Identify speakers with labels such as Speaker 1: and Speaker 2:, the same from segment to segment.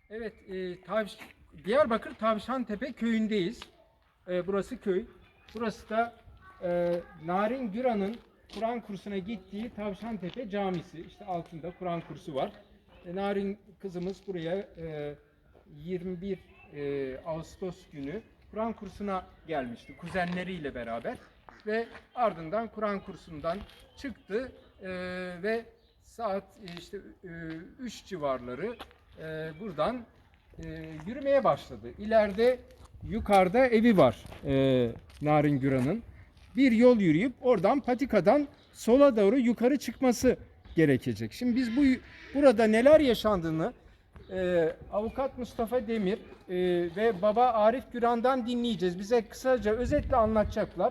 Speaker 1: Evet, Diyarbakır Tavşantepe köyündeyiz. Burası köy. Burası da Narin Güran'ın Kur'an kursuna gittiği Tavşantepe Camisi. İşte altında Kur'an kursu var. Narin kızımız buraya 21 Ağustos günü Kur'an kursuna gelmişti kuzenleriyle beraber ve ardından Kur'an kursundan çıktı ve saat işte 3 civarları buradan yürümeye başladı. İleride yukarıda evi var Narin Güran'ın. Bir yol yürüyüp oradan patikadan sola doğru yukarı çıkması gerekecek. Şimdi biz burada neler yaşandığını Avukat Mustafa Demir ve Baba Arif Güran'dan dinleyeceğiz. Bize kısaca özetle anlatacaklar.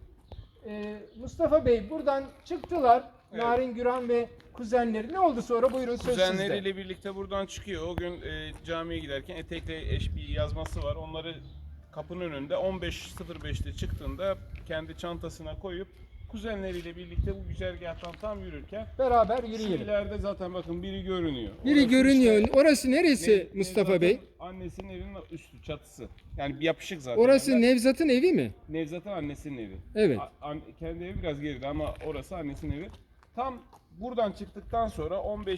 Speaker 1: Mustafa Bey buradan çıktılar. Evet. Narin Güran ve kuzenleri. Ne oldu sonra? Buyurun, söz sizde.
Speaker 2: Kuzenleriyle birlikte buradan çıkıyor. O gün camiye giderken etekle eş bir yazması var. Onları kapının önünde 15.05'te çıktığında kendi çantasına koyup kuzenleriyle birlikte bu güzergahtan tam yürürken
Speaker 1: beraber yürüyelim.
Speaker 2: İleride zaten bakın biri görünüyor.
Speaker 1: Biri
Speaker 2: orası
Speaker 1: görünüyor.
Speaker 2: Işte,
Speaker 1: Orası neresi Mustafa Bey?
Speaker 2: Annesinin evinin üstü, çatısı. Yani yapışık zaten.
Speaker 1: Orası Nevzat'ın evi mi?
Speaker 2: Nevzat'ın annesinin evi. Evet. Kendi evi biraz geride ama orası annesinin evi. Tam buradan çıktıktan sonra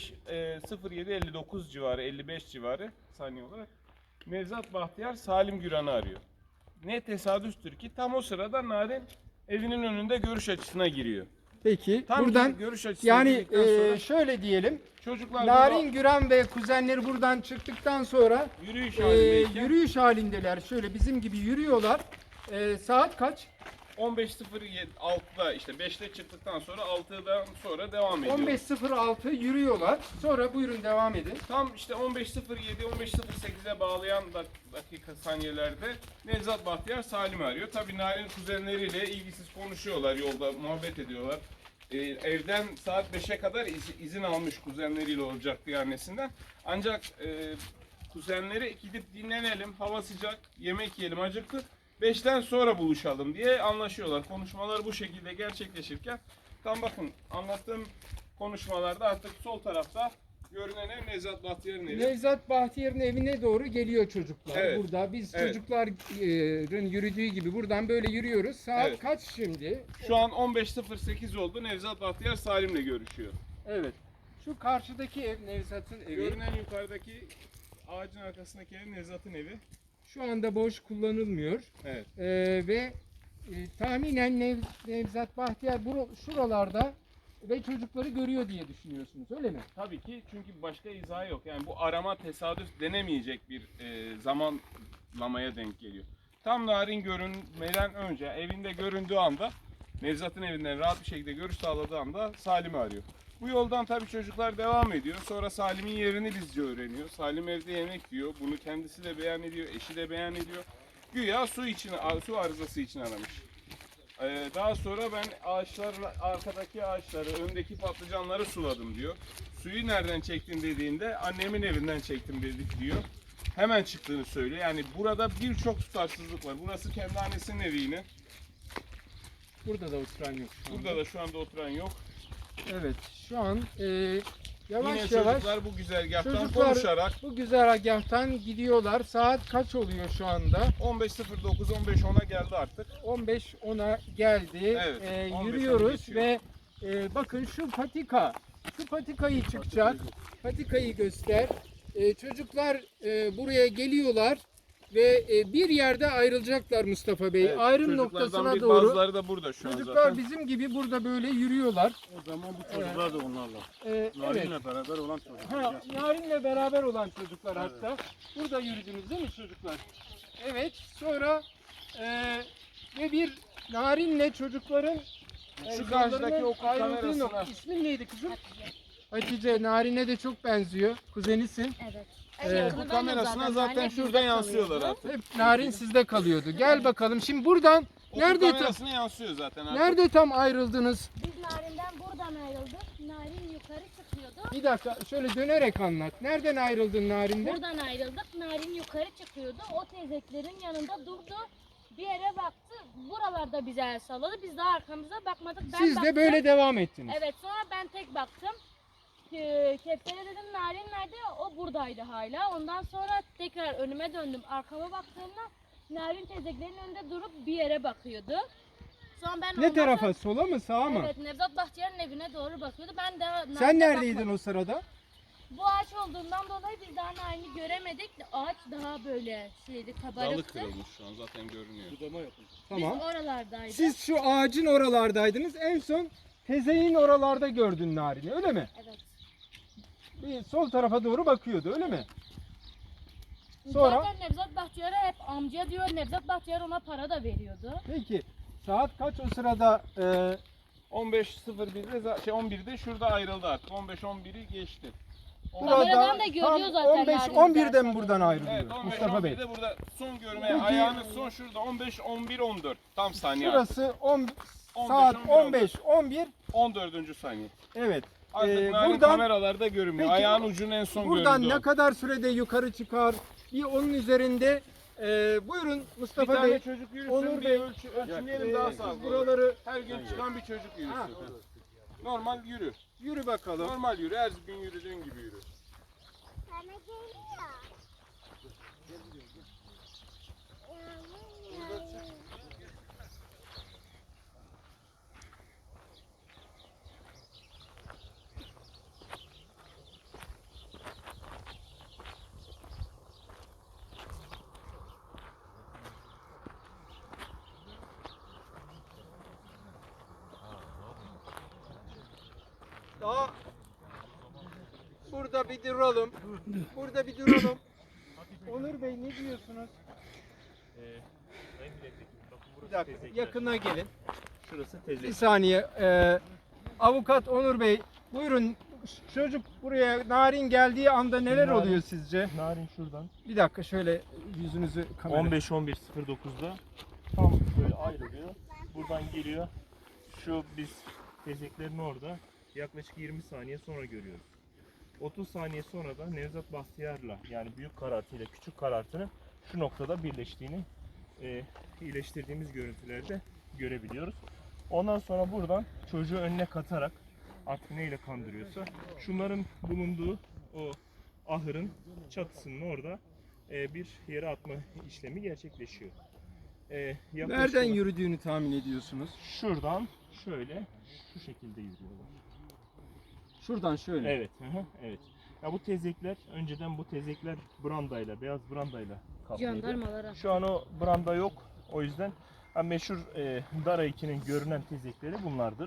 Speaker 2: 15.07.59 civarı, 55 civarı saniye olarak Nevzat Bahtiyar Salim Güran'ı arıyor. Ne tesadüftür ki tam o sırada Narin evinin önünde görüş açısına giriyor.
Speaker 1: Peki
Speaker 2: Tam
Speaker 1: buradan
Speaker 2: görüş açısına
Speaker 1: yani
Speaker 2: sonra,
Speaker 1: şöyle diyelim.
Speaker 2: Çocuklar
Speaker 1: Narin Güran ve kuzenleri buradan çıktıktan sonra yürüyüş halindeler. Şöyle bizim gibi yürüyorlar. Saat kaç?
Speaker 2: 15.06'da işte 5'te çıktıktan sonra 6'dan sonra devam ediyor.
Speaker 1: 15.06 yürüyorlar. Sonra buyurun devam edin.
Speaker 2: Tam işte 15.07-15.08'e bağlayan dakika saniyelerde Nevzat Bahtiyar Salim'i arıyor. Tabii Narin kuzenleriyle ilgisiz konuşuyorlar, yolda muhabbet ediyorlar. Evden saat 5'e kadar izin almış kuzenleriyle olacaktı annesinden. Ancak kuzenleri gidip dinlenelim, hava sıcak, yemek yiyelim, acıktık. 5'ten sonra buluşalım diye anlaşıyorlar. Konuşmalar bu şekilde gerçekleşirken tam bakın anlattığım konuşmalarda artık sol tarafta görünen ev Nevzat Bahtiyar'ın evi.
Speaker 1: Nevzat Bahtiyar'ın evine doğru geliyor çocuklar.
Speaker 2: Evet.
Speaker 1: Burada biz
Speaker 2: Evet.
Speaker 1: çocukların yürüdüğü gibi buradan böyle yürüyoruz. Saat
Speaker 2: Evet.
Speaker 1: kaç şimdi?
Speaker 2: Şu an 15.08 oldu. Nevzat Bahtiyar Salim'le görüşüyor.
Speaker 1: Evet. Şu karşıdaki ev Nevzat'ın evi.
Speaker 2: Görünen yukarıdaki ağacın arkasındaki ev Nevzat'ın evi.
Speaker 1: Şu anda boş kullanılmıyor.
Speaker 2: Evet.
Speaker 1: Ve tahminen Nevzat Bahtiyar şuralarda ve çocukları görüyor diye düşünüyorsunuz, öyle mi?
Speaker 2: Tabii ki, çünkü başka izahı yok. Yani bu arama tesadüf denemeyecek bir zamanlamaya denk geliyor. Tam Narin görünmeden önce evinde göründüğü anda, Nevzat'ın evinden rahat bir şekilde görüş sağladığı anda Salim'i arıyor. Bu yoldan tabii çocuklar devam ediyor. Sonra Salim'in yerini bizce öğreniyor. Salim evde yemek yiyor. Bunu kendisi de beyan ediyor, eşi de beyan ediyor. Güya su arızası için aramış. Daha sonra ben arkadaki ağaçları, öndeki patlıcanları suladım diyor. Suyu nereden çektin dediğinde annemin evinden çektim dedik diyor. Hemen çıktığını söylüyor. Yani burada birçok tutarsızlık var. Burası kendi annesinin evi yine.
Speaker 1: Burada da oturan yok şu anda.
Speaker 2: Burada da şu anda oturan yok.
Speaker 1: Evet, şu an yavaş
Speaker 2: yine
Speaker 1: yavaş
Speaker 2: çocuklar bu güzergahtan konuşarak
Speaker 1: bu güzergahtan gidiyorlar. Saat kaç oluyor şu anda?
Speaker 2: 15.09-15.10'a geldi artık.
Speaker 1: 15.10'a geldi.
Speaker 2: Evet,
Speaker 1: Yürüyoruz ve bakın şu patikayı çıkacak. Patikayı göster. Çocuklar buraya geliyorlar ve bir yerde ayrılacaklar Mustafa Bey.
Speaker 2: Evet,
Speaker 1: Ayrım noktasına doğru.
Speaker 2: Bazıları da burada şu an
Speaker 1: Çocuklar
Speaker 2: zaten.
Speaker 1: bizim gibi burada böyle yürüyorlar.
Speaker 3: O zaman bu çocuklar da onlarla.
Speaker 1: Evet.
Speaker 3: Narin'le beraber olan çocuklar.
Speaker 1: Narin'le beraber olan çocuklar hatta. Burada yürüdünüz değil mi çocuklar? Evet. Sonra ve bir Narin'le çocukların
Speaker 2: Şu karşıdaki okul
Speaker 1: ayrıldığı
Speaker 2: kamerasına.
Speaker 1: nokta. İsmin neydi kızım? Hatice. Narin'e de çok benziyor. Kuzenisin.
Speaker 4: Evet.
Speaker 2: Bu kamerasına zaten şurada yansıyorlar artık.
Speaker 1: Hep Narin sizde kalıyordu. Gel bakalım. Şimdi buradan
Speaker 2: Okul
Speaker 1: nerede
Speaker 2: kamerasına yansıyor zaten artık.
Speaker 1: nerede tam ayrıldınız?
Speaker 4: Biz Narin'den buradan ayrıldık. Narin yukarı çıkıyordu.
Speaker 1: Bir dakika şöyle dönerek anlat. Nereden ayrıldın Narin'den?
Speaker 4: Buradan ayrıldık. Narin yukarı çıkıyordu. O teyzeklerin yanında durdu. Bir yere baktı. Buralarda bize el salladı. Biz daha arkamıza bakmadık. Ben
Speaker 1: Siz de
Speaker 4: baktım.
Speaker 1: böyle devam ettiniz.
Speaker 4: Evet, sonra ben tek baktım. Kevser'e dedim Narin nerede? O buradaydı hala. Ondan sonra tekrar önüme döndüm. Arkama baktığımda Narin teyzeklerin önünde durup bir yere bakıyordu. Sonra ben
Speaker 1: Ne
Speaker 4: ondan
Speaker 1: tarafa?
Speaker 4: sonra-
Speaker 1: Sola mı sağa mı?
Speaker 4: Evet, Nevzat Bahtiyar'ın evine doğru bakıyordu. Ben de
Speaker 1: Sen
Speaker 4: Narin'e
Speaker 1: neredeydin
Speaker 4: bakmadım.
Speaker 1: o sırada?
Speaker 4: Bu ağaç olduğundan dolayı biz daha Narin'i göremedik. Ağaç daha böyle şeydi,
Speaker 2: Dalı
Speaker 4: kabarıktı.
Speaker 2: kırılmış şu an zaten görünüyor.
Speaker 3: Budama yapıldı.
Speaker 1: Tamam.
Speaker 4: Biz oralardaydık.
Speaker 1: Siz şu ağacın oralardaydınız. En son tezeyin oralarda gördün Narin'i, öyle mi?
Speaker 4: Evet.
Speaker 1: Bir sol tarafa doğru bakıyordu, öyle mi? Sonra?
Speaker 4: Zaten Nevzat Bahtiyar'a hep amca diyor. Nevzat Bahtiyar ona para da veriyordu.
Speaker 1: Peki saat kaç o sırada?
Speaker 2: 15.01'de 11'de şurada ayrıldı artık. 15-11'i geçti.
Speaker 4: Kameradan da görüyor
Speaker 1: tam
Speaker 4: zaten
Speaker 1: 15-11'de mi
Speaker 4: Narin'i
Speaker 1: buradan ayrılıyor
Speaker 2: Evet,
Speaker 1: Mustafa Bey?
Speaker 2: 15-11'de burada son görmeye,
Speaker 1: Peki.
Speaker 2: ayağınız son şurada 15-11-14 tam saniye.
Speaker 1: Şurası
Speaker 2: 15,
Speaker 1: saat
Speaker 2: 11.
Speaker 1: 15-11.
Speaker 2: 14. saniye.
Speaker 1: Evet.
Speaker 2: Artık Narin
Speaker 1: buradan
Speaker 2: kameralarda görünmüyor.
Speaker 1: Peki,
Speaker 2: Ayağın ucunun en son
Speaker 1: buradan
Speaker 2: göründüğü
Speaker 1: ne
Speaker 2: an.
Speaker 1: kadar sürede yukarı çıkar? Bir onun üzerinde buyurun
Speaker 2: Bir
Speaker 1: Mustafa
Speaker 2: tane
Speaker 1: Bey.
Speaker 2: çocuk yürüsün,
Speaker 1: Onur
Speaker 2: bir
Speaker 1: Bey,
Speaker 2: ölçümleyelim daha
Speaker 1: siz
Speaker 2: sağlıklı.
Speaker 1: buraları
Speaker 2: Her gün çıkan bir çocuk
Speaker 1: Ha.
Speaker 2: yürüsün. Normal yürü.
Speaker 1: yürü bakalım.
Speaker 2: Normal yürü. Her gün yürüdüğün gibi yürü.
Speaker 1: Daha burada bir duralım. Burada bir duralım. Onur Bey ne diyorsunuz? Bir dakika yakına gelin.
Speaker 5: Şurası
Speaker 1: Bir
Speaker 5: tezek.
Speaker 1: saniye. Avukat Onur Bey buyurun. Çocuk buraya Narin geldiği anda neler
Speaker 5: Narin-
Speaker 1: oluyor sizce?
Speaker 5: Narin şuradan
Speaker 1: Bir dakika şöyle yüzünüzü kamera.
Speaker 5: 15-11-09'da tam böyle ayrılıyor. Buradan geliyor. Şu biz tezeklerin orada yaklaşık 20 saniye sonra görüyoruz. 30 saniye sonra da Nevzat Bahtiyar'la yani büyük karartıyla küçük karartının şu noktada birleştiğini iyileştirdiğimiz görüntülerde görebiliyoruz. Ondan sonra buradan çocuğu önüne katarak artık neyle kandırıyorsa şunların bulunduğu o ahırın çatısının orada bir yere atma işlemi gerçekleşiyor. Yaklaşık
Speaker 1: Nereden
Speaker 5: olarak
Speaker 1: yürüdüğünü tahmin ediyorsunuz?
Speaker 5: şuradan şöyle şu şekilde yürüyorlar.
Speaker 1: Şuradan şöyle.
Speaker 5: Evet, evet. Ya bu tezekler önceden bu tezekler brandayla, beyaz brandayla kaplıydı.
Speaker 4: Jandarmalara.
Speaker 5: Şu an o branda yok. O yüzden meşhur Dara 2'nin görünen tezekleri bunlardır.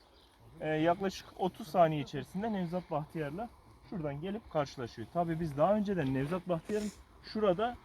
Speaker 5: Yaklaşık 30 saniye içerisinde Nevzat Bahtiyar'la şuradan gelip karşılaşıyor. Tabii biz daha önceden Nevzat Bahtiyar'ın şurada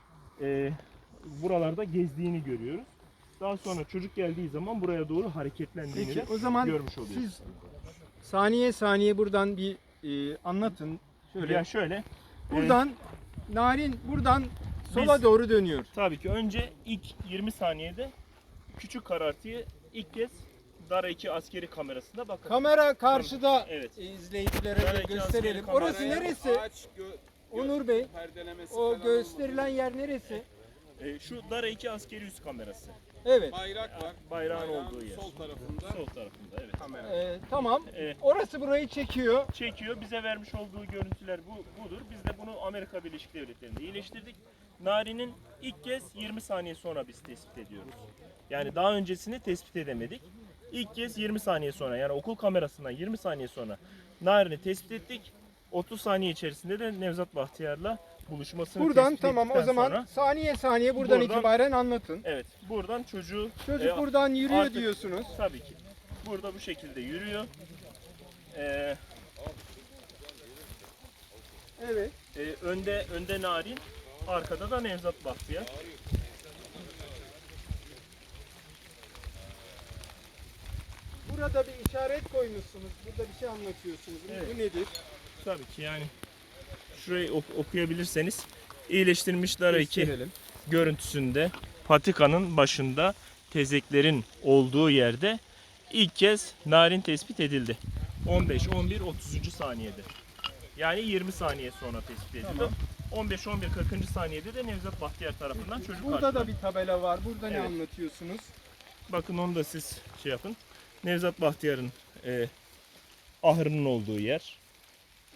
Speaker 5: buralarda gezdiğini görüyoruz. Daha sonra çocuk geldiği zaman buraya doğru hareketlendiğini
Speaker 1: Peki
Speaker 5: de
Speaker 1: o zaman
Speaker 5: görmüş oluyoruz.
Speaker 1: siz saniye saniye buradan bir anlatın. Şöyle.
Speaker 5: Ya şöyle,
Speaker 1: Buradan Narin buradan sola
Speaker 5: Biz-
Speaker 1: doğru dönüyor.
Speaker 5: tabii ki önce ilk 20 saniyede küçük karartıyı ilk kez Dara 2 askeri kamerasında bakın.
Speaker 1: Kamera karşıda
Speaker 5: Evet.
Speaker 1: izleyicilere
Speaker 5: Dara
Speaker 1: de
Speaker 5: 2
Speaker 1: gösterelim.
Speaker 5: askeri
Speaker 1: Orası
Speaker 5: kameraya
Speaker 1: neresi?
Speaker 2: Ağaç
Speaker 1: Onur Bey,
Speaker 2: perdelemesi
Speaker 1: o
Speaker 2: falan
Speaker 1: gösterilen yer neresi?
Speaker 5: Şu Dara 2 askeri üs kamerası.
Speaker 1: Evet.
Speaker 2: bayrak var.
Speaker 5: Bayrağın olduğu yer.
Speaker 2: Sol tarafında
Speaker 5: Sol tarafında, evet.
Speaker 2: kamera.
Speaker 1: Tamam.
Speaker 5: Evet.
Speaker 1: Orası burayı çekiyor.
Speaker 5: Çekiyor. Bize vermiş olduğu görüntüler budur. Biz de bunu Amerika Birleşik Devletleri'nde iyileştirdik. Nari'nin ilk kez 20 saniye sonra biz tespit ediyoruz. Yani daha öncesini tespit edemedik. İlk kez 20 saniye sonra yani okul kamerasından 20 saniye sonra Nari'ni tespit ettik. 30 saniye içerisinde de Nevzat Bahtiyar'la buluşmasını
Speaker 1: Buradan
Speaker 5: tespit
Speaker 1: tamam o
Speaker 5: ettikten
Speaker 1: zaman
Speaker 5: sonra-
Speaker 1: saniye saniye buradan
Speaker 5: Buradan-
Speaker 1: itibaren anlatın.
Speaker 5: Evet, buradan çocuğu
Speaker 1: Çocuk buradan yürüyor
Speaker 5: artık-
Speaker 1: diyorsunuz.
Speaker 5: tabii ki. Burada bu şekilde yürüyor.
Speaker 1: Evet.
Speaker 5: Önde Narin, arkada da Nevzat Bahtiyar.
Speaker 1: Burada bir işaret koymuşsunuz. Burada bir şey anlatıyorsunuz.
Speaker 5: Evet.
Speaker 1: Bu nedir?
Speaker 5: Tabii ki yani şurayı okuyabilirseniz iyileştirilmiş Dara 2
Speaker 1: Gösterelim.
Speaker 5: görüntüsünde patikanın başında tezeklerin olduğu yerde ilk kez Narin tespit edildi. 15, 11, 30. saniyede. Yani 20 saniye sonra tespit edildi.
Speaker 1: Tamam.
Speaker 5: 15, 11, 40. saniyede de Nevzat Bahtiyar tarafından çocuk
Speaker 1: Burada
Speaker 5: karşılandı.
Speaker 1: da bir tabela var. Burada ne
Speaker 5: Evet.
Speaker 1: anlatıyorsunuz?
Speaker 5: Bakın onu da siz şey yapın. Nevzat Bahtiyar'ın ahırının olduğu yer.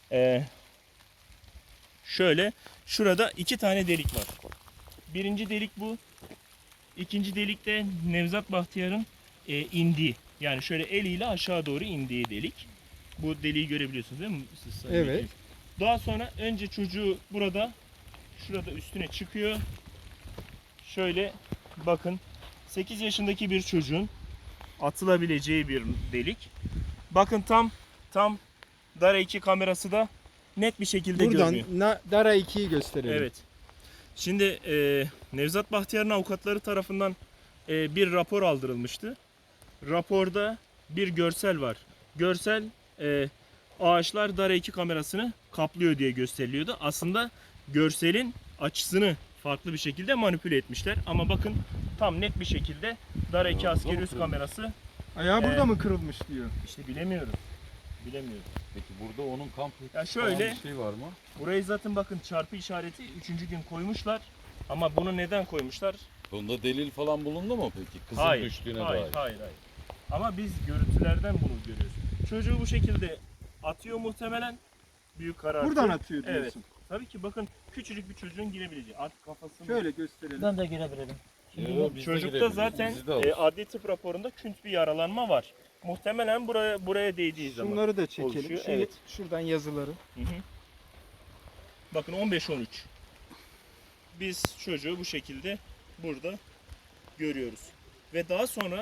Speaker 5: Şöyle şurada 2 tane delik var. Birinci delik bu. İkinci delik de Nevzat Bahtiyar'ın indiği. Yani şöyle eliyle aşağı doğru indiği delik. Bu deliği görebiliyorsunuz değil mi? Siz sayın
Speaker 1: Evet.
Speaker 5: vekilim? Daha sonra önce çocuğu şurada üstüne çıkıyor. Şöyle bakın 8 yaşındaki bir çocuğun atılabileceği bir delik. Bakın tam Dara 2 kamerası da net bir şekilde
Speaker 1: Buradan
Speaker 5: görünüyor.
Speaker 1: Dara 2'yi gösterelim.
Speaker 5: Evet. Şimdi Nevzat Bahtiyar'ın avukatları tarafından bir rapor aldırılmıştı. Raporda bir görsel var. Görsel ağaçlar Dara 2 kamerasını kaplıyor diye gösteriliyordu. Aslında görselin açısını farklı bir şekilde manipüle etmişler. Ama bakın tam net bir şekilde Dara 2 askeri üs kamerası
Speaker 1: Ayağı burada mı kırılmış diyor.
Speaker 5: işte bilemiyoruz. Bilemiyoruz.
Speaker 6: Peki burada onun kamp
Speaker 5: Ya şöyle
Speaker 6: bir şey var mı?
Speaker 5: burayı zaten bakın çarpı işareti 3. gün koymuşlar. Ama bunu neden koymuşlar?
Speaker 6: Bunda delil falan bulundu mu peki? Kızın
Speaker 5: Hayır,
Speaker 6: düştüğüne
Speaker 5: hayır,
Speaker 6: dair.
Speaker 5: hayır. Ama biz görüntülerden bunu görüyoruz. Çocuğu bu şekilde atıyor muhtemelen. Büyük karartı.
Speaker 1: Buradan atıyor
Speaker 5: Evet.
Speaker 1: diyorsun.
Speaker 5: Tabii ki bakın küçücük bir çocuğun girebileceği. Artık kafasını...
Speaker 1: Şöyle gösterelim.
Speaker 7: Ben de girebilirim.
Speaker 6: Yo, biz de
Speaker 5: Çocukta
Speaker 6: girebiliriz,
Speaker 5: zaten
Speaker 6: bizi de alır.
Speaker 5: adli tıp raporunda künt bir yaralanma var. Muhtemelen buraya değdiği zaman.
Speaker 1: Şunları da çekelim.
Speaker 5: oluşuyor,
Speaker 1: Şimdi
Speaker 5: evet.
Speaker 1: şuradan yazıları.
Speaker 5: Hı hı. Bakın 15-13. Biz çocuğu bu şekilde burada görüyoruz. Ve daha sonra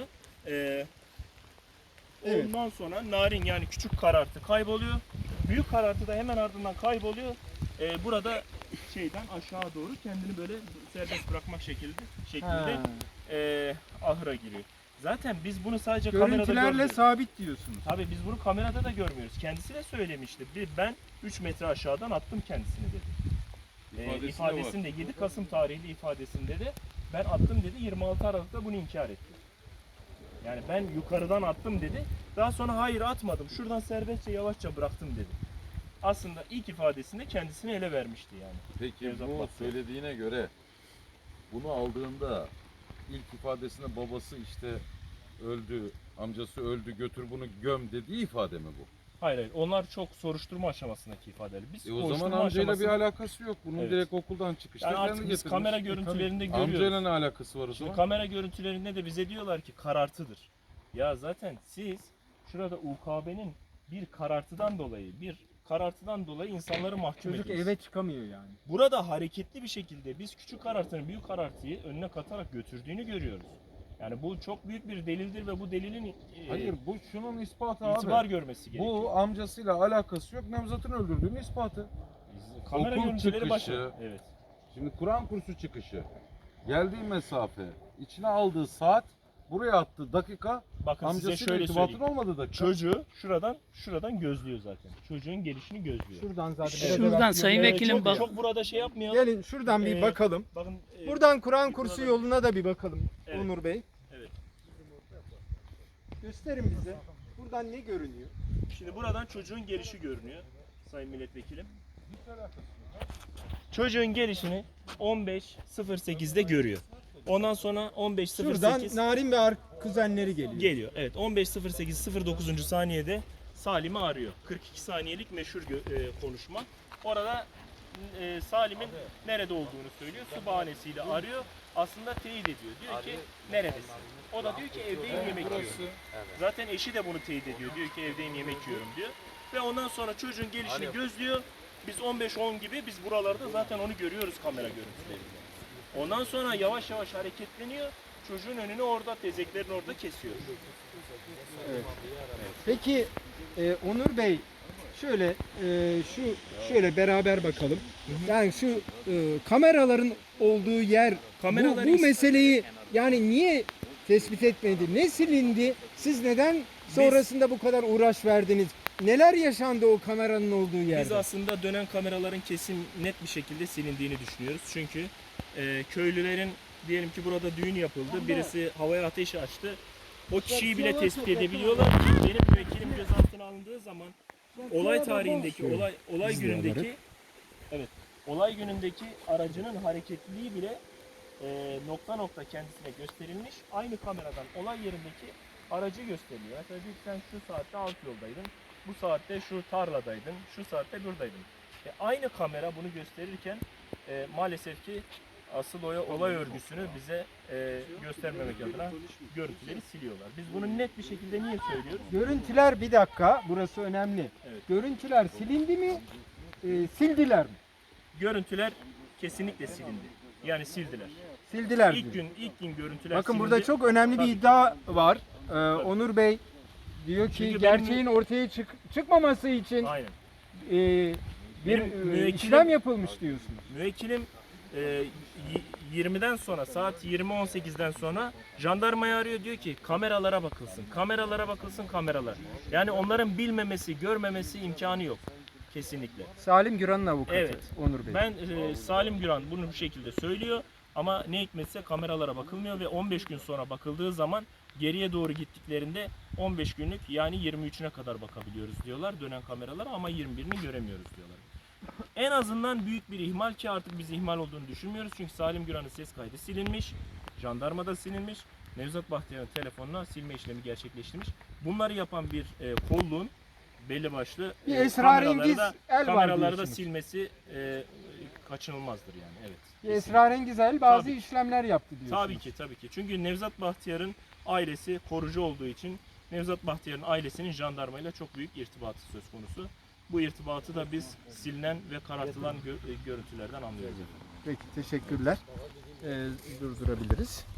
Speaker 1: Evet.
Speaker 5: ondan sonra narin yani küçük karartı kayboluyor. Büyük karartı da hemen ardından kayboluyor. Burada şeyden aşağı doğru kendini böyle serbest bırakmak şeklinde
Speaker 1: Ha.
Speaker 5: ahıra giriyor. Zaten biz bunu sadece kamerada
Speaker 1: Görüntülerle
Speaker 5: görmüyoruz.
Speaker 1: sabit diyorsunuz.
Speaker 5: Tabii biz bunu kamerada da görmüyoruz. Kendisi de söylemişti. Ben 3 metre aşağıdan attım kendisini dedi. İfadesinde 7 Kasım tarihli ifadesinde de ben attım dedi. 26 Aralık'ta bunu inkar etti. Yani ben yukarıdan attım dedi. Daha sonra hayır atmadım. Şuradan serbestçe yavaşça bıraktım dedi. Aslında ilk ifadesinde kendisini ele vermişti yani.
Speaker 6: Peki
Speaker 5: Nevzat
Speaker 6: bu
Speaker 5: Bahtiyar.
Speaker 6: söylediğine göre bunu aldığında ilk ifadesinde babası işte öldü, amcası öldü, götür bunu göm dediği ifade mi bu?
Speaker 5: Hayır. Onlar çok soruşturma aşamasındaki ifadeler. Biz
Speaker 6: O zaman
Speaker 5: soruşturma
Speaker 6: amcayla bir
Speaker 5: aşamasında-
Speaker 6: alakası yok. Bunun
Speaker 5: Evet.
Speaker 6: direkt okuldan çıkışta
Speaker 5: yani
Speaker 6: kendi
Speaker 5: artık biz
Speaker 6: getirmiş.
Speaker 5: kamera görüntülerinde görüyoruz.
Speaker 6: Amcayla ne alakası var o
Speaker 5: Şimdi
Speaker 6: zaman?
Speaker 5: kamera görüntülerinde de bize diyorlar ki karartıdır. Ya zaten siz şurada UKB'nin bir karartıdan dolayı insanları mahkum
Speaker 1: Çocuk
Speaker 5: ediyorsunuz.
Speaker 1: eve çıkamıyor yani.
Speaker 5: Burada hareketli bir şekilde biz küçük karartının büyük karartıyı önüne katarak götürdüğünü görüyoruz. Yani bu çok büyük bir delildir ve bu delilin
Speaker 6: Hayır bu şunun ispatı abi.
Speaker 5: itibar görmesi gerekiyor.
Speaker 6: Bu amcasıyla alakası yok. Nevzat'ın öldürdüğünün ispatı.
Speaker 5: Kamera
Speaker 6: okul
Speaker 5: görüntüleri
Speaker 6: çıkışı,
Speaker 5: başı. Evet.
Speaker 6: Şimdi Kur'an kursu çıkışı, geldiği mesafe, içine aldığı saat, buraya attığı dakika,
Speaker 5: Bakın size
Speaker 6: amcasıyla
Speaker 5: şöyle
Speaker 6: irtibatın
Speaker 5: söyleyeyim.
Speaker 6: olmadığı dakika.
Speaker 5: Çocuğu şuradan gözlüyor zaten. Çocuğun gelişini gözlüyor.
Speaker 1: Şuradan zaten.
Speaker 7: Şuradan
Speaker 1: biraz evvel
Speaker 7: sayın
Speaker 1: görüyoruz.
Speaker 7: vekilim
Speaker 5: çok,
Speaker 7: bak.
Speaker 5: çok burada şey yapmayalım.
Speaker 1: Gelin şuradan bir
Speaker 5: Ee,
Speaker 1: bakalım.
Speaker 5: Bakın
Speaker 1: Buradan Kur'an kursu
Speaker 5: yukarıda-
Speaker 1: yoluna da bir bakalım
Speaker 5: Evet.
Speaker 1: Onur Bey.
Speaker 5: Evet.
Speaker 1: Gösterin bize. Buradan ne görünüyor?
Speaker 5: Şimdi buradan çocuğun gelişi görünüyor sayın milletvekilim. Çocuğun gelişini 15.08'de görüyor. Ondan sonra 15.08
Speaker 1: Şuradan Narin ve kuzenleri geliyor.
Speaker 5: geliyor. Evet 15.08 09. saniyede Salim'i arıyor. 42 saniyelik meşhur konuşma. Orada Salim'in nerede olduğunu söylüyor. Su bahanesiyle arıyor. Aslında teyit ediyor. Diyor ki neredesin? O da diyor ki evdeyim yemek yiyorum. Zaten eşi de bunu teyit ediyor. Diyor ki evdeyim yemek yiyorum diyor. Ve ondan sonra çocuğun gelişini gözlüyor. Biz 15-10 gibi biz buralarda zaten onu görüyoruz kamera görüntülerinde. Ondan sonra yavaş yavaş hareketleniyor. Çocuğun önünü orada, tezeklerin orada kesiyor.
Speaker 1: Peki Onur Bey şöyle şöyle beraber bakalım. Yani şu kameraların olduğu yer
Speaker 5: Kameralar
Speaker 1: bu meseleyi yani niye tespit etmedi? Ne silindi? Siz neden sonrasında bu kadar uğraş verdiniz? Neler yaşandı o kameranın olduğu
Speaker 5: Biz
Speaker 1: yerde?
Speaker 5: aslında dönen kameraların kesin net bir şekilde silindiğini düşünüyoruz. Çünkü köylülerin diyelim ki burada düğün yapıldı. Birisi havaya ateş açtı. O kişiyi bile tespit edebiliyorlar ki benim müvekkilim gözaltına alındığı zaman olay tarihindeki olay günündeki aracının hareketliliği bile nokta nokta kendisine gösterilmiş. Aynı kameradan olay yerindeki aracı gösteriliyor. Mesela diyor ki sen şu saatte alt yoldaydın. bu saatte şu tarladaydın, şu saatte buradaydın. Aynı kamera bunu gösterirken maalesef ki asıl olay örgüsünü bize göstermemek adına görüntüleri siliyorlar. Biz bunu net bir şekilde niye söylüyoruz?
Speaker 1: Görüntüler, bir dakika, burası önemli.
Speaker 5: Evet.
Speaker 1: Görüntüler silindi mi? Sildiler mi?
Speaker 5: Görüntüler kesinlikle silindi. Yani sildiler.
Speaker 1: Sildiler
Speaker 5: İlk
Speaker 1: diyor.
Speaker 5: gün görüntüler
Speaker 1: Bakın
Speaker 5: silindi.
Speaker 1: burada çok önemli bir
Speaker 5: Tabii.
Speaker 1: iddia var. Onur Bey diyor ki
Speaker 5: Çünkü
Speaker 1: gerçeğin ortaya çıkmaması için
Speaker 5: Aynen.
Speaker 1: bir
Speaker 5: Benim müvekkilim-
Speaker 1: işlem yapılmış diyorsunuz.
Speaker 5: Müvekkilim 20'den sonra, saat 20.18'den sonra jandarmayı arıyor, diyor ki kameralara bakılsın, kameralara bakılsın, kameralar. Yani onların bilmemesi, görmemesi imkanı yok kesinlikle.
Speaker 1: Salim Güran'ın avukatı
Speaker 5: Evet.
Speaker 1: Onur Bey.
Speaker 5: Ben Salim Güran bunu bu şekilde söylüyor ama ne hikmetse kameralara bakılmıyor ve 15 gün sonra bakıldığı zaman geriye doğru gittiklerinde 15 günlük, yani 23'üne kadar bakabiliyoruz diyorlar dönen kameralara, ama 21'ini göremiyoruz diyorlar. En azından büyük bir ihmal, ki artık biz ihmal olduğunu düşünmüyoruz. Çünkü Salim Güran'ın ses kaydı silinmiş, jandarmada silinmiş, Nevzat Bahtiyar'ın telefonuna silme işlemi gerçekleştirmiş. Bunları yapan bir kolluğun belli başlı
Speaker 1: Bir esrarengiz
Speaker 5: kameraları
Speaker 1: el var
Speaker 5: kameraları da
Speaker 1: diyorsunuz.
Speaker 5: silmesi kaçınılmazdır yani. Evet.
Speaker 1: Bir esrarengiz el bazı
Speaker 5: Tabii.
Speaker 1: işlemler yaptı diyorsunuz.
Speaker 5: Tabii ki. Çünkü Nevzat Bahtiyar'ın ailesi korucu olduğu için Nevzat Bahtiyar'ın ailesinin jandarmayla çok büyük irtibatı söz konusu. Bu irtibatı da biz silinen ve karartılan görüntülerden anlıyoruz.
Speaker 1: Peki, teşekkürler. Durdurabiliriz.